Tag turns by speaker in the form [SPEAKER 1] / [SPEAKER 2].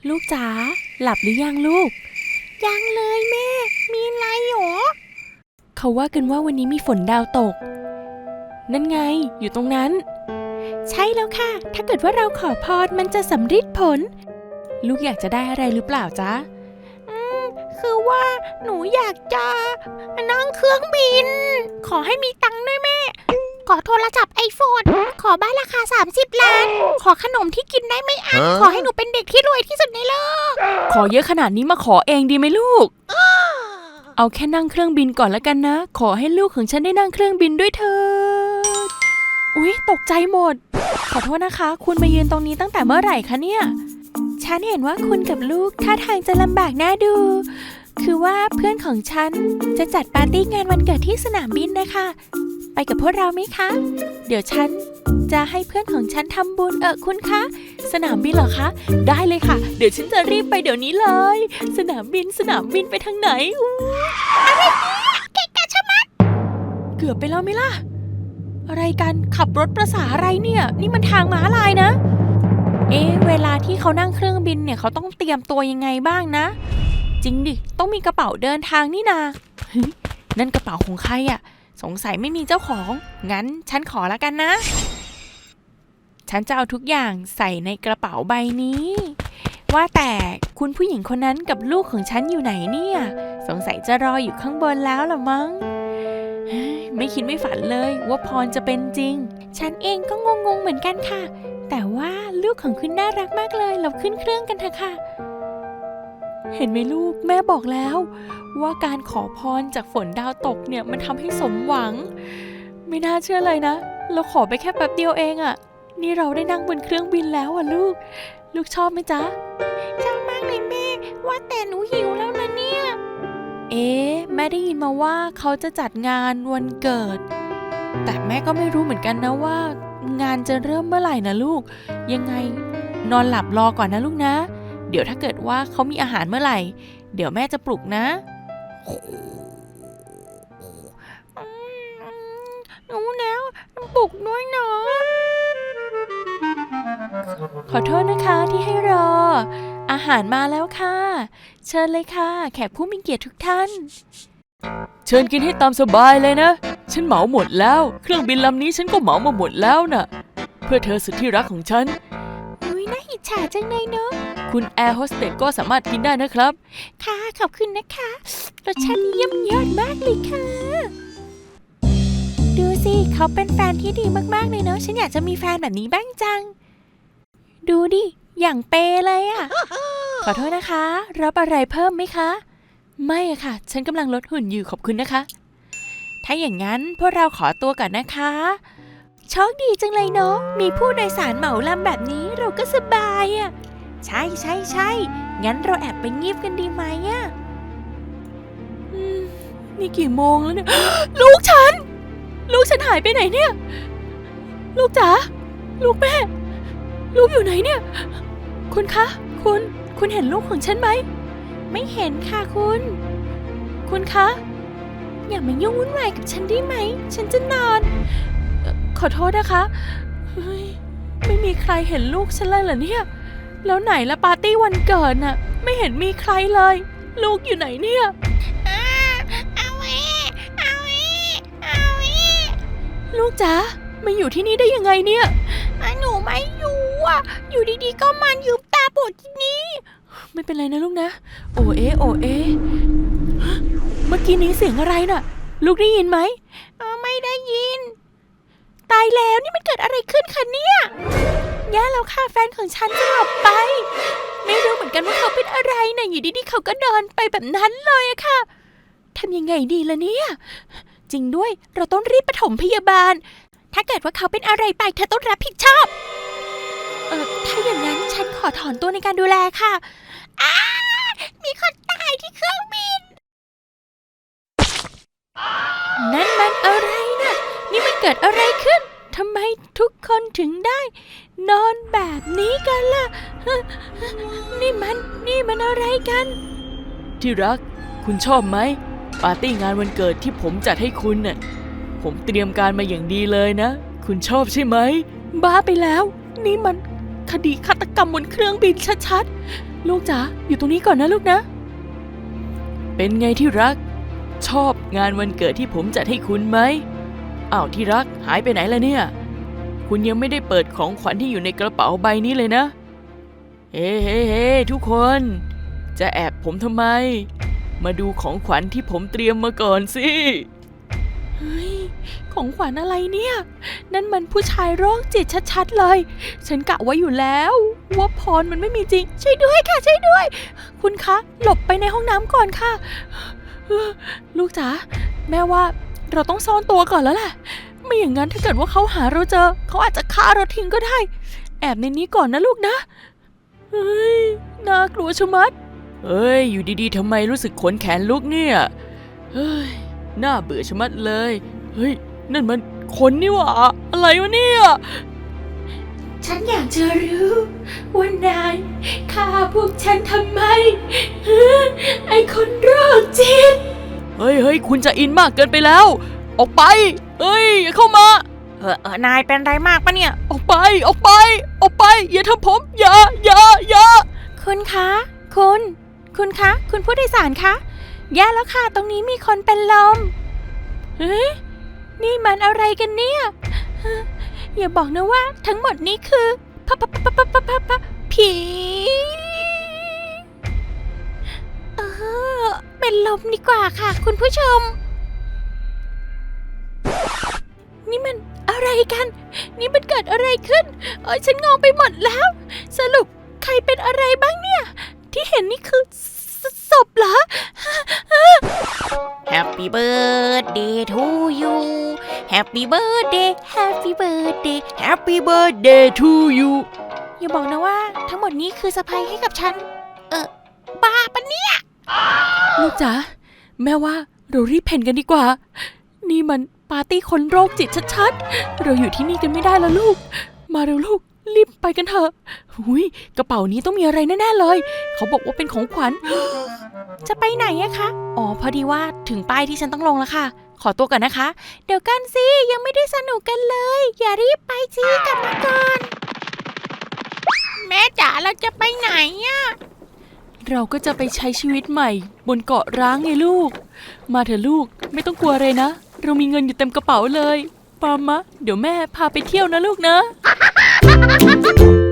[SPEAKER 1] ลูกจ๋าหลับหรือยังลูก
[SPEAKER 2] ยังเลยแม่มีอะไรหรอ
[SPEAKER 1] เขาว่ากันว่าวันนี้มีฝนดาวตกนั่นไงอยู่ตรงนั้นใช่แล้วค่ะถ้าเกิดว่าเราขอพรมันจะสำเร็จผลลูกอยากจะได้อะไรหรือเปล่าจ๊ะ
[SPEAKER 2] คือว่าหนูอยากจะนั่งเครื่องบินขอให้มีตังค์ด้วยแม่ขอโทรศัพท์ไอโฟนขอบ้านราคา30 ล้านขอขนมที่กินได้ไม่อั้นขอให้หนูเป็นเด็กที่รวยที่สุดในโลก
[SPEAKER 1] ขอเยอะขนาดนี้มาขอเองดีไหมลูกเอาแค่นั่งเครื่องบินก่อนแล้วกันนะขอให้ลูกของฉันได้นั่งเครื่องบินด้วยเถิดอุ๊ยตกใจหมดขอโทษนะคะคุณมายืนตรงนี้ตั้งแต่เมื่อไหร่คะเนี่ยฉันเห็นว่าคุณกับลูกท่าทางจะลำบากน่าดูคือว่าเพื่อนของฉันจะจัดปาร์ตี้งานวันเกิดที่สนามบินนะคะไปกับพวกเราไหมคะเดี๋ยวฉันจะให้เพื่อนของฉันทำบุญคุณคะสนามบินเหรอคะได้เลยค่ะเดี๋ยวฉันจะรีบไปเดี๋ยวนี้เลยสนามบินไปทางไหน
[SPEAKER 2] อะไรเนี่ยเกะกะชะมัด
[SPEAKER 1] เกือบไปแล้วไหมล่ะอะไรกันขับรถประสาอะไรเนี่ยนี่มันทางม้าลายนะเวลาที่เขานั่งเครื่องบินเนี่ยเขาต้องเตรียมตัวยังไงบ้างนะจริงดิต้องมีกระเป๋าเดินทางนี่นานั่นกระเป๋าของใครอะสงสัยไม่มีเจ้าของงั้นฉันขอละกันนะฉันจะเอาทุกอย่างใส่ในกระเป๋าใบนี้ว่าแต่คุณผู้หญิงคนนั้นกับลูกของฉันอยู่ไหนเนี่ยสงสัยจะรออยู่ข้างบนแล้วล่ะมั้งไม่คิดไม่ฝันเลยว่าพรจะเป็นจริงฉันเองก็งงเหมือนกันค่ะแต่ว่าลูกของคุณน่ารักมากเลยเราขึ้นเครื่องกันเถอะค่ะเห็นไหมลูกแม่บอกแล้วว่าการขอพรจากฝนดาวตกเนี่ยมันทำให้สมหวังไม่น่าเชื่อเลยนะเราขอไปแค่แป๊บเดียวเองอะนี่เราได้นั่งบนเครื่องบินแล้วอะลูกชอบไหมจ๊ะ
[SPEAKER 2] ชอบมากเลยแม่ว่าแต่หนูหิวแล้วนะเนี่ย
[SPEAKER 1] แม่ได้ยินมาว่าเขาจะจัดงานวันเกิดแต่แม่ก็ไม่รู้เหมือนกันนะว่างานจะเริ่มเมื่อไหร่นะลูกยังไงนอนหลับรอก่อนนะลูกนะเดี๋ยวถ้าเกิดว่าเขามีอาหารเมื่อไหร่เดี๋ยวแม่จะปลุกนะ
[SPEAKER 2] หนูแล้วปลุกด้วยเนาะ
[SPEAKER 1] ขอโทษนะคะที่ให้รออาหารมาแล้วค่ะเชิญเลยค่ะแขกผู้มีเกียรติทุกท่านเชิญกินให้ตามสบายเลยนะฉันเหมาหมดแล้วเครื่องบินลำนี้ฉันก็เหมามาหมดแล้วน่ะเพื่อเธอสุดที่รักของฉัน
[SPEAKER 2] น่าอิจฉาจังเลยเนาะ
[SPEAKER 1] คุณแอร์โฮสเตสก็สามารถกินได้นะครับ
[SPEAKER 2] ค่ะขอบคุณนะคะรสชาติเยี่ยมยอดมากเลยค่ะดูสิเขาเป็นแฟนที่ดีมากๆเลยเนาะฉันอยากจะมีแฟนแบบนี้บ้างจังดูดิอย่างเปเลยอะขอโทษนะคะรับอะไรเพิ่มไหมคะไม่อะค่ะฉันกำลังลดหุ่นอยู่ขอบคุณนะคะถ้าอย่างนั้นพวกเราขอตัวก่อนนะคะโชคดีจังเลยเนาะมีผู้โดยสารเหมาลำแบบนี้เราก็สบายอะใช่งั้นเราแอบไปงีบกันดีไหมอะนี่กี่โมงแล้วเนี่ย ลูกฉันหายไปไหนเนี่ยลูกจ๋าลูกแม่ลูกอยู่ไหนเนี่ยคุณคะคุณเห็นลูกของฉันไหมไม่เห็นค่ะคุณคะอย่ามายุ่งวุ่นวายกับฉันได้ไหมฉันจะนอนขอโทษนะคะไม่มีใครเห็นลูกฉันเลยเหรอเนี่ยแล้วไหนละปาร์ตี้วันเกิดน่ะไม่เห็นมีใครเลยลูกอยู่ไหนเนี่ยลูกจ๋ามาอยู่ที่นี่ได้ยังไงเนี่ยหนูไม่อยู่อ่ะอยู่ดีๆก็มันยืมตาปวดที่นี่
[SPEAKER 1] ไม่เป็นไรนะลูกนะโอเอเมื่อกี้นี้เสียงอะไรน่ะลูกได้ยินไหม
[SPEAKER 2] ไม่ได้ยินตายแล้วนี่มันเกิดอะไรขึ้นคะเนี่ยแย่แล้วค่ะแฟนของฉันจะหลับไปไม่รู้เหมือนกันว่าเขาเป็นอะไรนะอยู่ดีๆเขาก็เดินไปแบบนั้นเลยอะค่ะ
[SPEAKER 1] ทำยังไงดีล่ะเนี่ยจริงด้วยเราต้องรีบปฐมพยาบาล
[SPEAKER 2] ถ้าเกิดว่าเขาเป็นอะไรไปเธอต้องรับผิดชอบถ้าอย่างนั้นฉันขอถอนตัวในการดูแลค่ะมีคนตายที่เครื่องบิน
[SPEAKER 1] นั่นมันอะไรนะนี่มันเกิดอะไรขึ้นทำไมทุกคนถึงได้นอนแบบนี้กันล่ะนี่มันอะไรกันที่รักคุณชอบไหมปาร์ตี้งานวันเกิดที่ผมจัดให้คุณน่ะผมเตรียมการมาอย่างดีเลยนะคุณชอบใช่ไหมบ้าไปแล้วนี่มันคดีฆาตกรรมบนเครื่องบินชัด
[SPEAKER 2] ลูกจ๋าอยู่ตรงนี้ก่อนนะลูกนะเป็นไงที่รักชอบงานวันเกิดที่ผมจัดให้คุณไหมอ้าวที่รักหายไปไหนล่ะเนี่ยคุณยังไม่ได้เปิดของขวัญที่อยู่ในกระเป๋าใบนี้เลยนะเฮ้ทุกคนจะแอบผมทำไมมาดูของขวัญที่ผมเตรียมมาก่อนสิเฮ้ยของขวัญอะไรเนี่ยนั่นมันผู้ชายโรคจิตชัดๆเลยฉันกะไว้อยู่แล้วว่าพรมันไม่มีจริงช่วยด้วยค่ะช่วยด้วยคุณคะหลบไปในห้องน้ำก่อนค่ะลูกจ๋าแม่ว่าเราต้องซ่อนตัวก่อนแล้วแหละไม่อย่างนั้นถ้าเกิดว่าเขาหาเราเจอเขาอาจจะฆ่าเราทิ้งก็ได้แอบในนี้ก่อนนะลูกนะเฮ้ยน่ากลัวชะมัดเฮ้ยอยู่ดีๆทำไมรู้สึกขนแขนลุกเนี่ยเฮ้ยน่าเบื่อชะมัดเลยเฮ้ยนั่นมันคนนี่หว่าอะไรวะเนี่ย
[SPEAKER 1] ฉันอยากจะรู้ว่านายฆ่าพวกฉันทำไมไอ้คนโรคจิต
[SPEAKER 2] เฮ้ยคุณจะอินมากเกินไปแล้วออกไปเฮ้ยอย่าเข้ามาน
[SPEAKER 1] ายเป็นไรมากปะเนี่ย
[SPEAKER 2] ออกไปอย่าทำผมอย่า
[SPEAKER 1] คุณคะคุณคะคุณผู้โดยสารคะแย่แล้วค่ะตรงนี้มีคนเป็นลมเฮ้ยนี่มันอะไรกันเนี่ยอย่าบอกนะว่าทั้งหมดนี้คือผีเป็นลมดีกว่าค่ะคุณผู้ชมนี่มันอะไรกันนี่มันเกิดอะไรขึ้นฉันงงไปหมดแล้วสรุปใครเป็นอะไรบ้างเนี่ยที่เห็นนี่คือศพเหรอ Happy birthday to you Happy birthday Happy birthday
[SPEAKER 2] Happy birthday to you
[SPEAKER 1] อย่าบอกนะว่าทั้งหมดนี้คือเซอร์ไพรส์ให้กับฉันบ้าปะเนี่ย
[SPEAKER 2] ลูกจ๋าแม่ว่าเรารีบเพ่นกันดีกว่านี่มันปาร์ตี้คนโรคจิตชัดๆเราอยู่ที่นี่กันไม่ได้แล้วลูกมาเร็วลูกรีบไปกันเถอะหุยกระเป๋านี้ต้องมีอะไรแน่ๆเลยเขาบอกว่าเป็นของขวัญ
[SPEAKER 1] จะไปไหนอะคะพอดีว่าถึงป้ายที่ฉันต้องลงแล้วค่ะขอตัวก่อนนะคะเดี๋ยวกันสิยังไม่ได้สนุกกันเลยอย่ารีบไปสิกลับมาก่อนแม่จ๋าเราจะไปไหนอะ
[SPEAKER 2] เราก็จะไปใช้ชีวิตใหม่บนเกาะร้างไงลูกมาเถอะลูกไม่ต้องกลัวเลยนะเรามีเงินอยู่เต็มกระเป๋าเลยปามะเดี๋ยวแม่พาไปเที่ยวนะลูกนะ